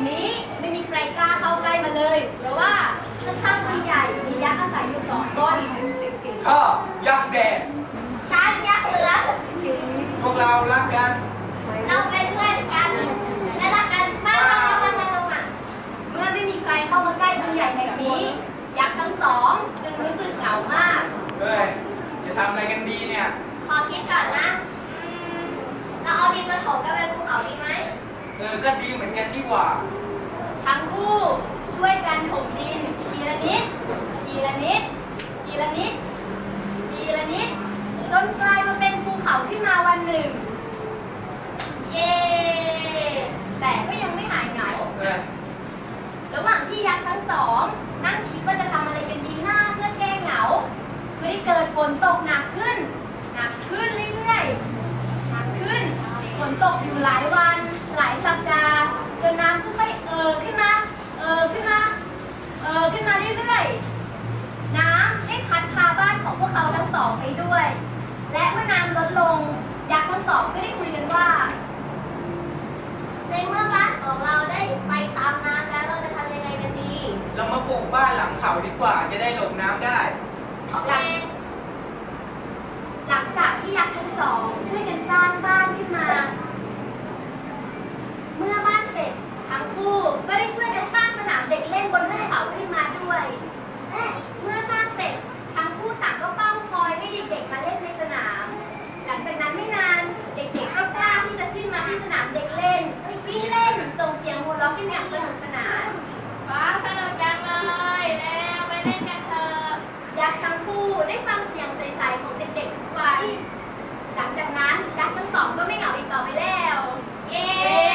นี้ไม่มีใครกล้าเข้าใกล้มาเลยเพราะว่าข้างๆต้นใหญ่มียักษ์อาศัยอยู่2 ต้นข้ายักษ์แดงช้างยักษ์เสือพวกเรารักกันเราเป็นเพื่อนกันและรักกันมากเมื่อไม่มีใครเข้ามาใกล้ต้นใหญ่แห่งนี้ยักษ์ทั้ง2จึงรู้สึกเหงามากเฮ้ยจะทำอะไรกันดีเนี่ยขอคิดก่อนนะเราเอาดินมาถมกันเป็นภูเขาดีไหมก็ดีเหมือนกันดีกว่าทั้งคู่ช่วยกันถมดินทีละนิดทีละนิดทีละนิดทีละนิดจนกลายมาเป็นภูเขาขึ้นมาวันหนึ่งเย้แต่ก็ยังไม่หายเหงาระหว่างที่ยักษ์ทั้ง2นั่งคิดว่าจะทำอะไรกันดีหน้าเพื่อแก้เหงาก็ได้เกิดฝนตกหนักขึ้นเรื่อยๆหนักขึ้นฝนตกอยู่หลายวันหลายสัปดาห์จนน้ำค่อยๆขึ้นมาขึ้นมาเรื่อยๆน้ำได้พัดพาบ้านของพวกเขาทั้ง2ไปด้วยและเมื่อน้ำลดลงยักษ์ทั้ง2ก็ได้คุยกันว่าในเมื่อบ้านของเราได้ไปตามน้ำแล้วเราจะทำยังไงกันดีเรามาปลูกบ้านหลังเขาดีกว่าจะได้หลบน้ำได้หลังจากที่ยักษ์ทั้ง2ช่วยกันสร้างบ้านขึ้นมาเมื่อบ้านเสร็จทั้งคู่ก็ได้ช่วยกันสร้างสนามเด็กเล่นบนภูเขาขึ้นมาด้วยเมื่อสร้างเสร็จทั้งคู่ต่างก็เฝ้าคอยให้เด็กๆมาเล่นในสนามหลังจากนั้นไม่นานเด็กๆก็กล้าที่จะขึ้นมาที่สนามเด็กเล่นวิ่งเล่นส่งเสียงหัวเราะกันอย่างสนุกสนานว้าวสนุกจังเลยแล้วไปเล่นกันเถอะยักษ์ทั้งคู่ได้ฟังเสียงใสๆของเด็กๆทุกวันหลังจากนั้นยักษ์ทั้ง2ก็ไม่เหงาอีกต่อไปแล้วเย้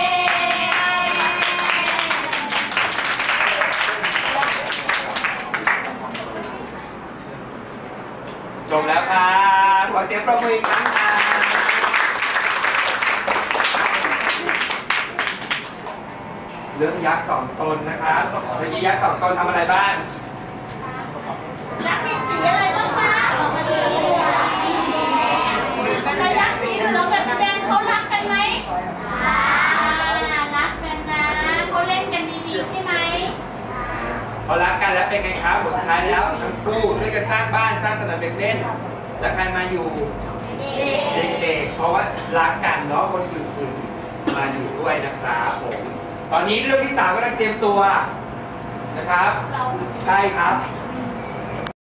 จบแล้วครับขอเสียงปรบมืออีกครั้งครับเรื่องยักษ์2 ตนนะครับเมื่อกี้ยักษ์2 ตนทำอะไรบ้างยักษ์มีสีอะไรบ้างคะแต่ยักษ์สีเหลืองกับสีแดงเขารักกันไหมรักกันนะเขาเล่นกันดีๆใช่ไหมพอรักกันแล้วเป็นไงครับสุดท้ายแล้วทั้งคู่ช่วยกันสร้างบ้านสร้างสนามเด็กเล่นแล้วใครมาอยู่เด็กๆเพราะว่ารักกันเนาะคนอื่นๆมาอยู่ด้วยนะครับผมตอนนี้เรื่องที่3ก็ต้องเตรียมตัวนะครับใช่ครับ